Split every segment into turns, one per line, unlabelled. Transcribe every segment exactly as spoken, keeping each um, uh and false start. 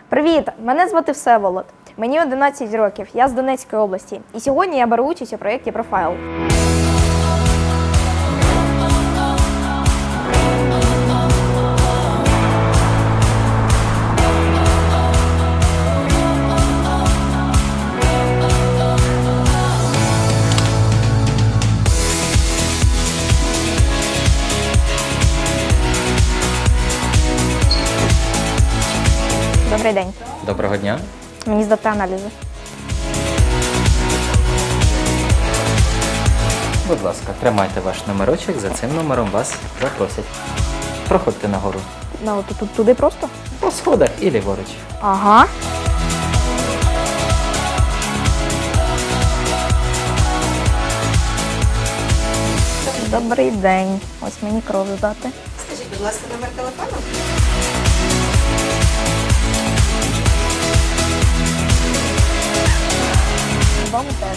Привіт! Мене звати Всеволод. Мені одинадцять років, я з Донецької області. І сьогодні я беру участь у проєкті «Профайл». Добрий день.
Доброго дня.
Мені здати аналізи.
Будь ласка, тримайте ваш номерочок, за цим номером вас запросять. Проходьте нагору.
Ну, тут, тут туди просто?
По сходах і ліворуч.
Ага. Добрий день. Ось мені кров здати.
Скажіть, будь ласка, номер телефону?
Вам теж.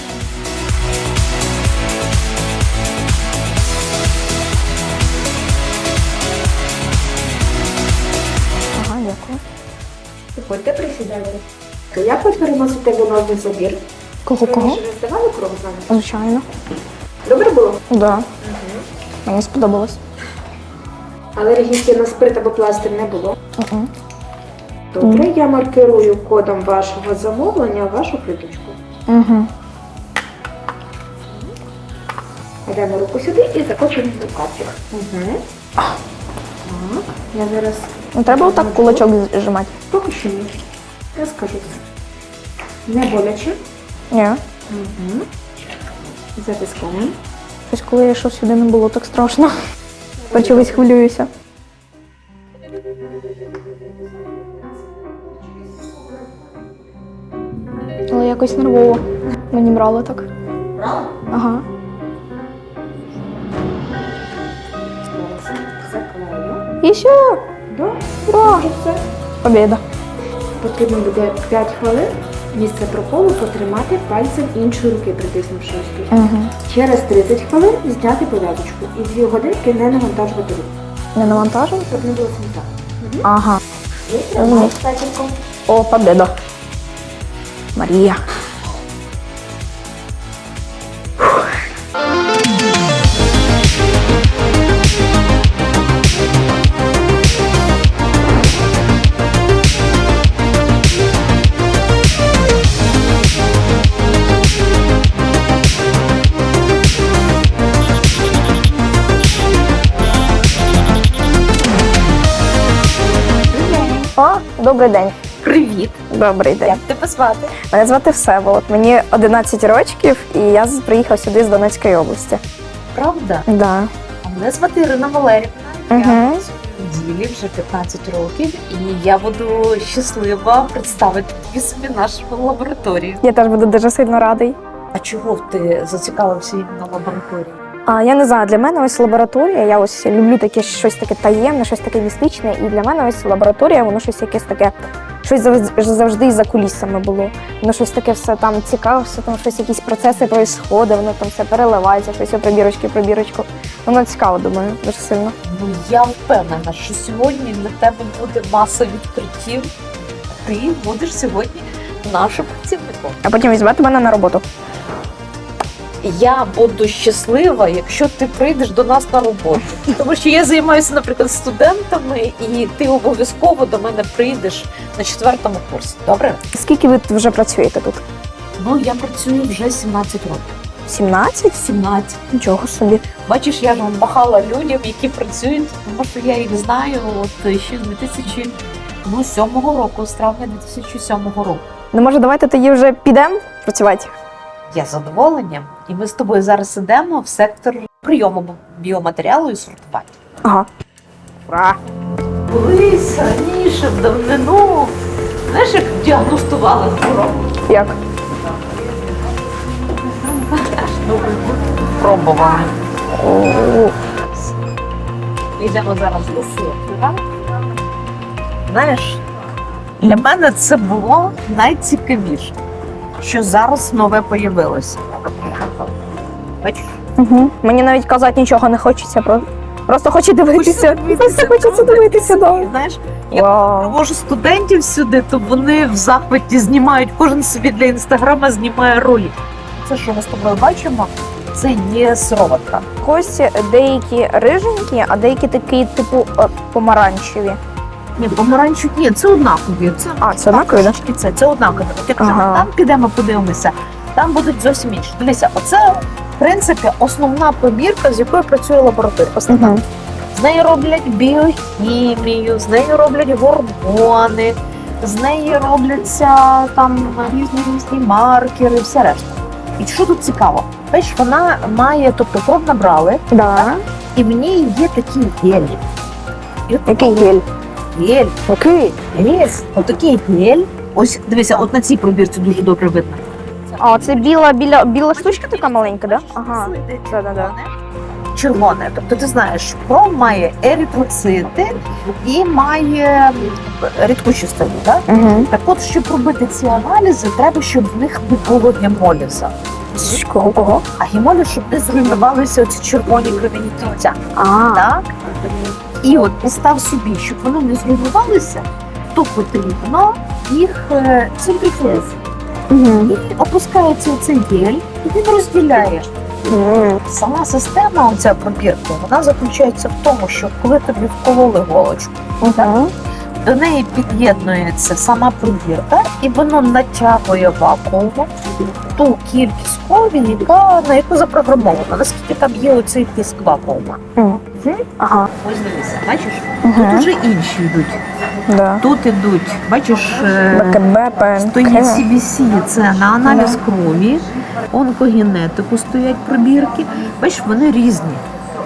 Ага, дякую.
Виходьте, присідайте. Як ви переносите венозний забір?
Кого, кого?
Ви ж не здавали кров з вами?
Звичайно.
Добре було?
Так. Да. Мені сподобалось.
Але реагенції на спирт або пластир не було.
Угу.
Добре, я маркирую кодом вашого замовлення вашу плиточку.
Угу.
Йдемо руку сюди і закочуємо в капчик. Угу. Так, я зараз...
Ну, треба отак кулачок зжимати.
Поки що ні. Я скажу це. Не боляче.
Ні.
Угу. Затискаємо.
Щось, коли я йшов сюди, не було так страшно. Тепер чогось хвилююся. Але якось нервово. Мені брало так.
Брала?
Ага.
Заклею.
І все.
Да?
Ура!
Вже все.
Побєда.
Потрібно буде п'ять хвилин місце проколу потримати пальцем іншої руки, притиснувши ось тут.
Угу.
Через тридцять хвилин зняти пов'язочку і дві годинки не навантажувати руку,
Не навантажив?
щоб не було сміття.
Ага.
І тримай статіком.
О, побєда. Марія. О, добрий день.
Привіт!
Добрий день.
Як тебе звати?
Мене звати Всеволод. Мені одинадцять років, і я з- приїхав сюди з Донецької області.
Правда?
Да.
А мене звати Ірина Валерівна. Я
Угу.
працюю в ділі вже п'ятнадцять років, і я буду щаслива представити тобі собі нашу лабораторію.
Я теж буду дуже сильно радий.
А чого ти зацікавився іменно лабораторією?
А я не знаю, для мене ось лабораторія. Я ось люблю таке щось таке таємне, щось таке містичне. І для мене ось лабораторія, воно щось якесь таке, щось завжди, завжди за кулісами було. Воно щось таке все там цікаве, все там щось, якісь процеси происходять, воно там все переливається, щось пробірочки, пробірочку. Воно цікаво, думаю, дуже сильно.
Ну я впевнена, що сьогодні для тебе буде маса відкриттів. Ти будеш сьогодні нашим працівником.
А потім візьмете мене на роботу.
Я буду щаслива, якщо ти прийдеш до нас на роботу. Тому що я займаюся, наприклад, студентами, і ти обов'язково до мене прийдеш на четвертому курсі. Добре?
Скільки ви вже працюєте тут?
Ну, я працюю вже сімнадцять років.
сімнадцять?
сімнадцять.
Нічого собі.
Бачиш, я ж махала людям, які працюють, тому що я їх знаю от ще з дві тисячі сьомого року, з травня дві тисячі сьомого року.
Ну, може, давайте тоді вже підемо працювати?
Я з задоволенням. І ми з тобою зараз ідемо в сектор прийому біоматеріалу і сортування.
Ага. Ура!
Колись раніше, в давнину, знаєш, як діагностували хворобу?
Як?
Пробували.
О,
Йдемо зараз до сектора. Знаєш, для мене це було найцікавіше, що зараз нове появилося. Бачиш?
угу. Мені навіть казати нічого не хочеться, про Просто хочу дивитися. Просто хочеться дивитися, да.
Знаєш, я
Вау.
привожу студентів сюди, то вони в захваті знімають, кожен собі для інстаграма знімає ролик. Це, що ми з тобою бачимо, це є сироватка.
Кості деякі риженькі, а деякі такі, типу, е, помаранчеві.
Ні, помаранчу, ні, це однакові. Це,
А, це однакові, так?
Це, це однакові. От якщо
Ага.
там підемо, подивимося, там будуть зовсім інші. Дивися, оце, в принципі, основна пробірка, з якою працює лабораторія. Основна.
Угу.
З неї роблять біохімію, з неї роблять гормони, з неї робляться там різні різні маркери, все решта. І що тут цікаво? Бачиш, вона має, тобто кров набрали,
Да.
і в ній є такі гелі. І от
Який гель?
гель,
Який?
гель, отакий гель. Ось дивися, от на цій пробірці дуже добре видно.
А, це біла, біла, біла штучка така маленька, да? Ага. Да-да-да.
Червоне. Тобто ти знаєш, кров має еритроцити і має рідку частину, так?
Угу.
Так от, щоб робити ці аналізи, треба, щоб в них не було гемоліза.
Кого? Кого?
А гемоліз, щоб не зруйнувалися оці червоні кров'яні кільця.
А,
Так? І от постав собі, щоб вони не зруйнувалися, то потрібно їх е, центрифугувати.
угу.
І опускається цей гель, і він розділяє. Сама система, оця пробірка, вона заключається в тому, що коли тобі вкололи голочку,
Угу.
до неї під'єднується сама пробірка, і воно натягує вакуумом ту кількість крові, яка на яку запрограмована, наскільки там є оцей тиск вакуума.
Ага.
Ось дивися, бачиш,
Угу.
тут вже інші йдуть.
Да.
Тут ідуть, бачиш, е,
БКБ,
стоїть
ПНК.
сі бі сі, це на аналіз крові, онкогенетику стоять пробірки. Бачиш, вони різні.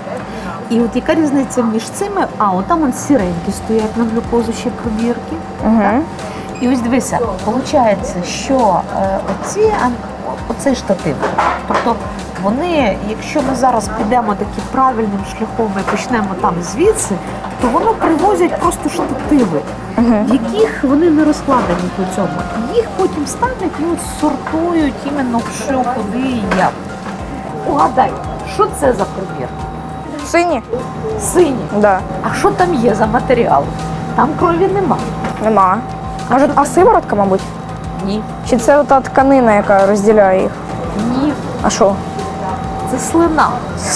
І от яка різниця між цими? А, от там он сіренькі стоять на глюкозу ще пробірки.
Угу.
І ось дивися, виходить, що е, оці, а, оцей штатив, тобто вони, якщо ми зараз підемо таким правильним шляхом і почнемо там звідси, то воно привозять просто штативи, в яких вони не розкладені по цьому. І їх потім ставлять і от сортують іменно що, куди і як. Угадай, що це за пробір?
Сині?
Сині.
Да.
А що там є за матеріал? Там крові нема.
Нема. Може, а сиворотка, мабуть?
Ні.
Чи це та тканина, яка розділяє їх?
Ні.
А що?
Це слина.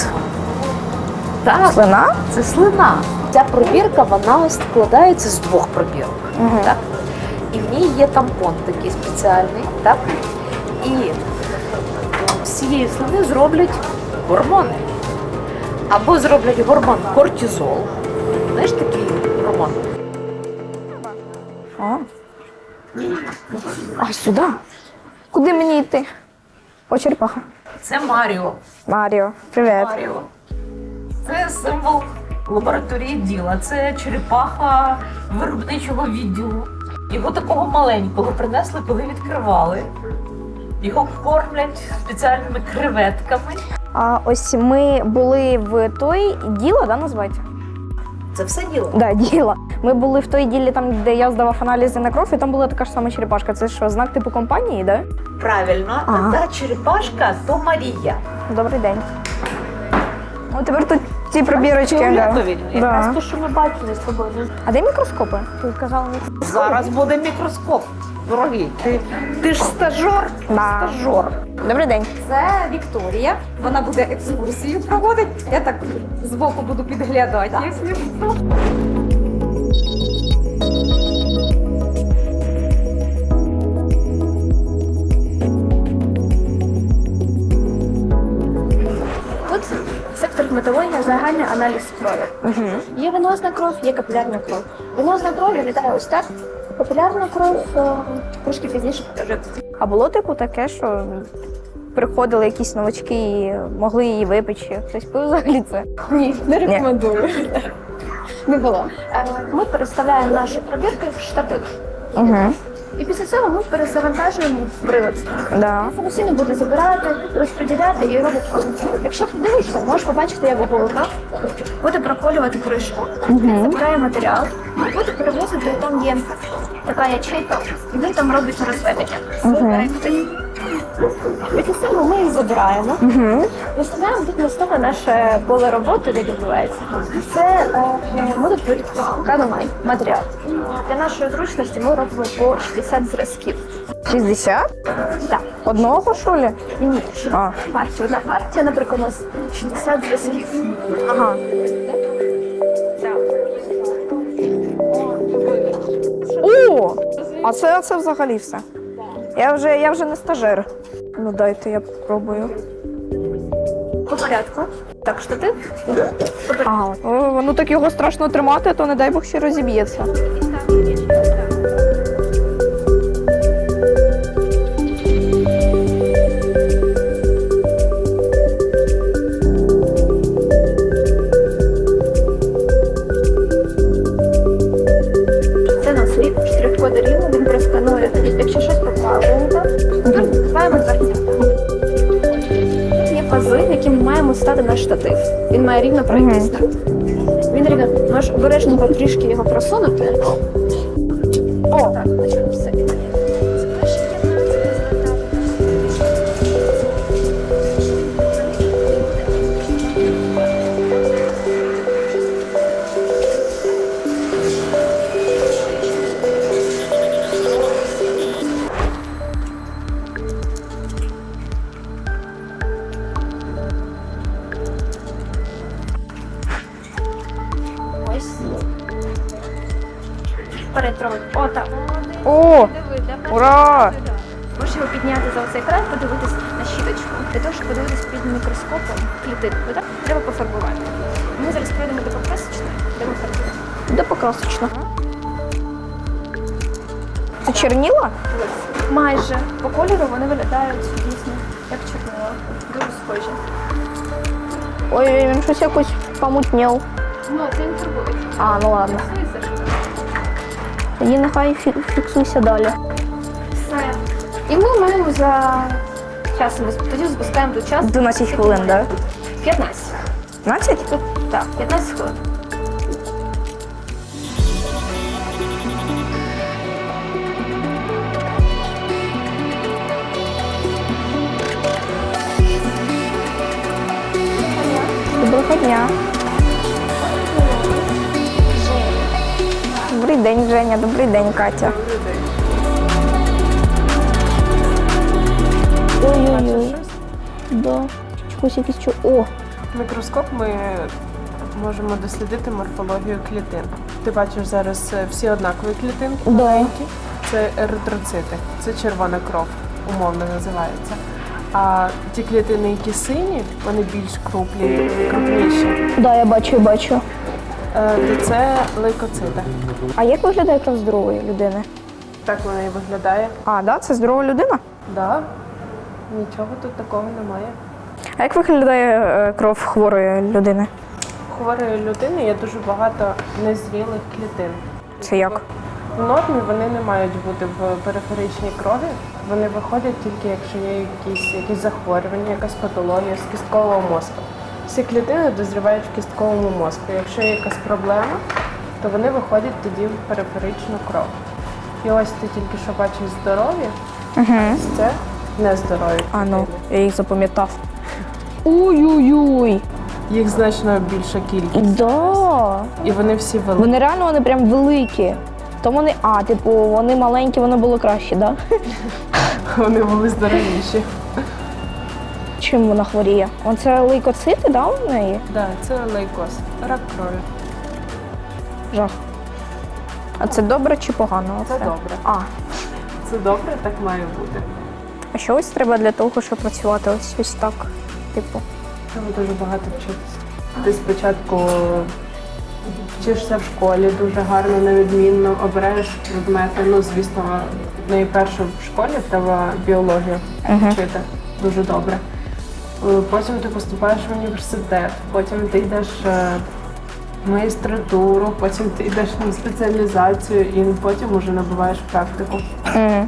Так,
Слина?
це слина. Ця пробірка, вона складається з двох пробірок.
Угу.
Так? І в ній є тампон такий спеціальний, так? І з цієї слини зроблять гормони. Або зроблять гормон кортизол. Знаєш такий гормон?
А. А сюди? Куди мені йти? О, черепаха.
Це Маріо.
Маріо, привіт.
Маріо. Це символ лабораторії діла. Це черепаха виробничого відділу. Його такого маленького принесли, коли відкривали. Його кормлять спеціальними креветками.
А ось ми були в той діло, да, називається?
Це все діло.
Да, діло. Ми були в той ділі, там, де я здавав аналізи на кров, і там була така ж сама черепашка. Це що, знак типу компанії, да?
Правильно,
Ага.
та черепашка то Марія.
Добрий день. О, тепер тут ці пробірочки. Да.
Фіолетові. Якраз
Да.
те, що ми бачили з тобою.
А де мікроскопи? Ти казала мікроскопи.
Зараз буде мікроскоп. Дорогий, ти, ти ж стажор.
Да.
Стажор.
Добрий день.
Це Вікторія. Вона буде екскурсію проводити. Я так збоку буду підглядати, якщо що.
Тут сектор гематологія, загальний аналіз крові.
Угу.
Є венозна кров, є капілярна кров. Венозна кров виглядає ось так. Капілярна кров е, трошки пізніше покажу.
А було типу таке, що приходили якісь новачки і могли її випечі. Хтось пив взагалі це?
Ні, не рекомендую. Не було. Е, Ми переставляємо наші пробірки в штатив.
Угу.
І після цього ми перезавантажуємо в прилад.
Да.
Самостійно буде забирати, розподіляти і робити. Якщо подивишся, можеш побачити, як голка буде проколювати кришку, забирає матеріал, буде перевозити, там є така ячейка, і він там робить розведення. Берете Після цього ми їх забираємо.
Угу.
Виставляємо тут на столі наше поле роботи, де відбувається. Це е, ми тут викладаємо матеріал. Для нашої зручності ми робимо по шістдесят зразків.
шістдесят?
Так.
Одного, що ли?
Ні,
А.
партія. Одна партія, наприклад, у нас шістдесят зразків.
Ага. О! А це, це взагалі все. Я вже, я вже не стажер. Ну дайте я попробую.
По порядку. Так, штатив.
Ага. О, ну так його страшно тримати, то не дай Бог ще розіб'ється.
Це наш рік, штрих-код рівно, він просканує. Якщо щось поправимо, відкриваємо дверця. Є пази, які ми маємо стати на штатив. Він має рівно пройти старт. Він рівно, можеш обережненько трішки його просунути. О, так, значить, все. Ось. Вперед трохи. О, так.
О! Ура!
Можеш його підняти за оцей край, подивитись на щіточку. Для того, щоб подивитись під мікроскопом клітинку, так? Треба пофарбувати. Ми зараз пройдемо до покрасочної, де ми фарбуємо.
Де покрасочно? Це черніла?
Майже по кольору вони виглядають дійсно як чорнила. Дуже схожі.
Ой, він щось якось помутнів.
Ну, це не фарбується.
А, ну ладно. Тоді нехай фі- фіксуйся далі.
Все. І ми маємо за часом, тоді запускаємо до часу.
дванадцять хвилин, так? Да?
п'ятнадцять.
п'ятнадцять?
Тут, так, п'ятнадцять хвилин.
Доброго дня. Добрий день, Женя. Добрий день, Катя. Ой-ой-ой. Да. Чогось якийсь чо. О,
Мікроскоп ми можемо дослідити морфологію клітин. Ти бачиш зараз е, всі однакові клітинки
Да.
маленькі. Це еритроцити, це червона кров, умовно називається. А ті клітини, які сині, вони більш крупні, крупніші.
да, я бачу, я бачу.
Е, То це лейкоцити.
А як виглядає кров здорової людини?
Так вона і виглядає.
А, да, це здорова людина?
Да. Нічого тут такого немає.
А як виглядає е, кров хворої людини?
У хворої людини є дуже багато незрілих клітин.
Це як?
В нормі вони не мають бути в периферичній крові. Вони виходять тільки, якщо є якісь, якісь захворювання, якась патологія з кісткового мозку. Всі клітини дозрівають в кістковому мозку. Якщо є якась проблема, то вони виходять тоді в периферичну кров. І ось ти тільки що бачиш здорові,
Угу.
ось це нездорові.
А ну,
клітини.
я їх запам'ятав. Ой-ой-ой.
Їх значно більша кількість.
Да.
І вони всі великі.
Вони реально вони прям великі. То вони, а, типу, вони маленькі, воно було краще, да?
Вони були здоровіші.
Чим вона хворіє? Оце лейкоцити, да, у неї?
Так, це лейкоз, рак крові.
Жах. А це добре чи погано?
Це
оце?
добре.
А,
Це добре, так має бути.
а що ось треба для того, щоб працювати ось ось так? Типу.
Треба дуже багато вчитися. Ти спочатку вчишся в школі дуже гарно, невідмінно, обираєш предмети. Ну, звісно, найперше в школі треба біологію вчити дуже добре. Е, Потім ти поступаєш в університет, потім ти йдеш е, в магістратуру, потім ти йдеш на спеціалізацію і потім вже набуваєш практику.
Мгм.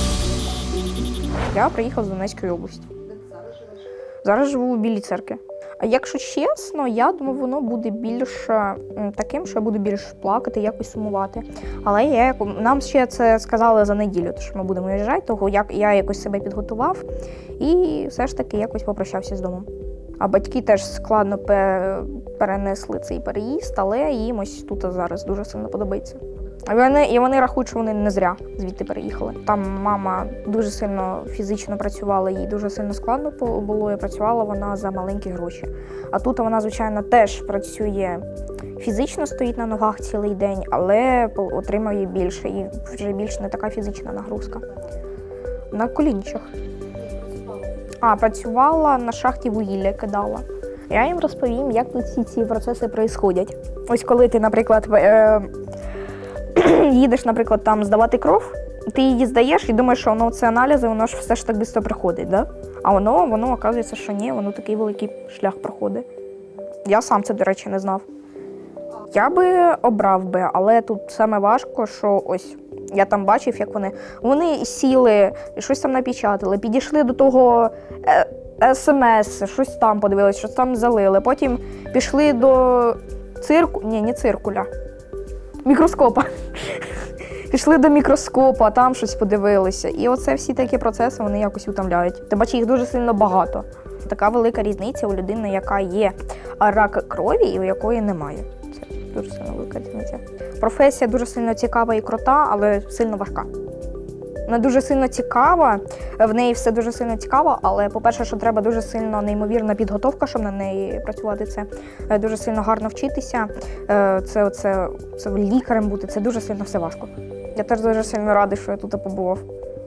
Я приїхав з Донецької області. Зараз живу у Білій церкві. А якщо чесно, я думаю, воно буде більш м, таким, що я буду більш плакати, якось сумувати. Але я, як- нам ще це сказали за неділю, тому що ми будемо виїжджати, того як я якось себе підготував і все ж таки якось попрощався з домом. А батьки теж складно пе- перенесли цей переїзд, але їм ось тут зараз дуже сильно подобається. І вони, і вони рахують, що вони не зря звідти переїхали. Там мама дуже сильно фізично працювала, їй дуже сильно складно по- було, і працювала вона за маленькі гроші. А тут вона, звичайно, теж працює фізично, стоїть на ногах цілий день, але по- отримує більше, і вже більш не така фізична нагрузка. На колінчах. А, працювала на шахті вугілля, кидала. Я їм розповім, як тут всі ці процеси відбуваються. Ось коли ти, наприклад, е- їдеш, наприклад, там здавати кров, ти її здаєш і думаєш, що воно це аналізи, воно ж все ж так швидко приходить, да? А воно, воно, оказується, що ні, воно такий великий шлях проходить. Я сам це, до речі, не знав. Я би обрав би, але тут саме важко, що ось я там бачив, як вони, вони сіли, щось там напечатали, підійшли до того е, смс, щось там подивились, щось там залили, потім пішли до цирку, ні, не циркуля, мікроскопа. Пішли до мікроскопа, там щось подивилися. І оце всі такі процеси, вони якось утомляють. Тим паче їх дуже сильно багато. Така велика різниця у людини, яка є рак крові і у якої немає. Це дуже сильно велика різниця. Професія дуже сильно цікава і крута, але сильно важка. Вона дуже сильно цікава, в неї все дуже сильно цікаво, але, по-перше, що треба дуже сильно неймовірна підготовка, щоб на неї працювати. Це е, дуже сильно гарно вчитися, е, це, це, це лікарем бути, це дуже сильно все важко. Я теж дуже сильно радий, що я тут побував.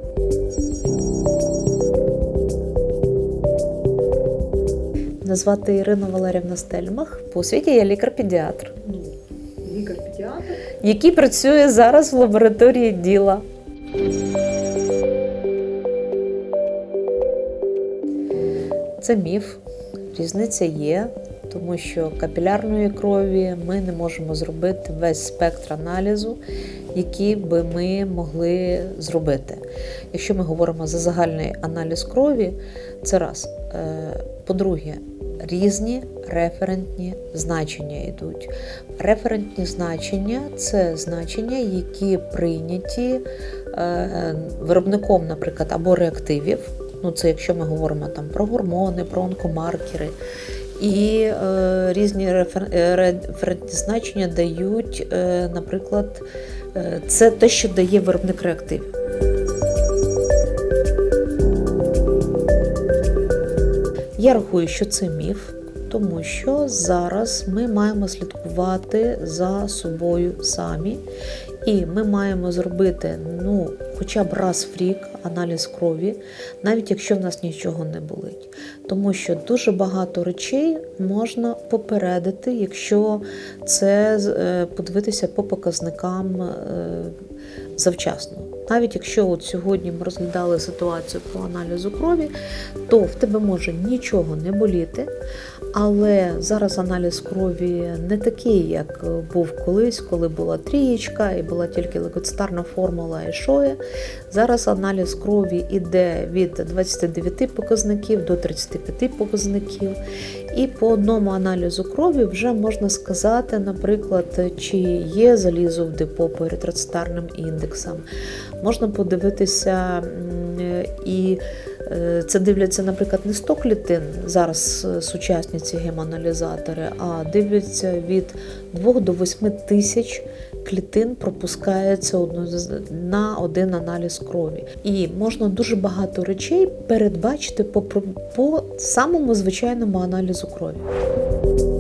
Мене звати Ірина Валерівна Стельмах. По освіті я лікар-педіатр.
Лікар-педіатр?
Який працює зараз в лабораторії діла. Це міф, різниця є, тому що капілярної крові ми не можемо зробити весь спектр аналізу, який би ми могли зробити. Якщо ми говоримо за загальний аналіз крові, це раз. По-друге, різні референтні значення йдуть. Референтні значення – це значення, які прийняті виробником, наприклад, або реактивів. Ну, це якщо ми говоримо там про гормони, про онкомаркери. І е, різні рефер... референтні значення дають, е, наприклад, е, це те, що дає виробник реактивів. Я рахую, що це міф, тому що зараз ми маємо слідкувати за собою самі. І ми маємо зробити, ну, хоча б раз в рік аналіз крові, навіть якщо в нас нічого не болить. Тому що дуже багато речей можна попередити, якщо це подивитися по показникам завчасно. Навіть якщо от сьогодні ми розглядали ситуацію по аналізу крові, то в тебе може нічого не боліти, але зараз аналіз крові не такий, як був колись, коли була трієчка і була тільки лейкоцитарна формула і шоє. Зараз аналіз крові йде від двадцяти дев'яти показників до тридцяти п'яти показників. І по одному аналізу крові вже можна сказати, наприклад, чи є залізо в депо по еритроцитарним індексам. Можна подивитися, і це дивляться, наприклад, не сто клітин, зараз сучасні ці гемоаналізатори, а дивляться від двох до восьми тисяч клітин пропускається на один аналіз крові. І можна дуже багато речей передбачити по, по самому звичайному аналізу крові.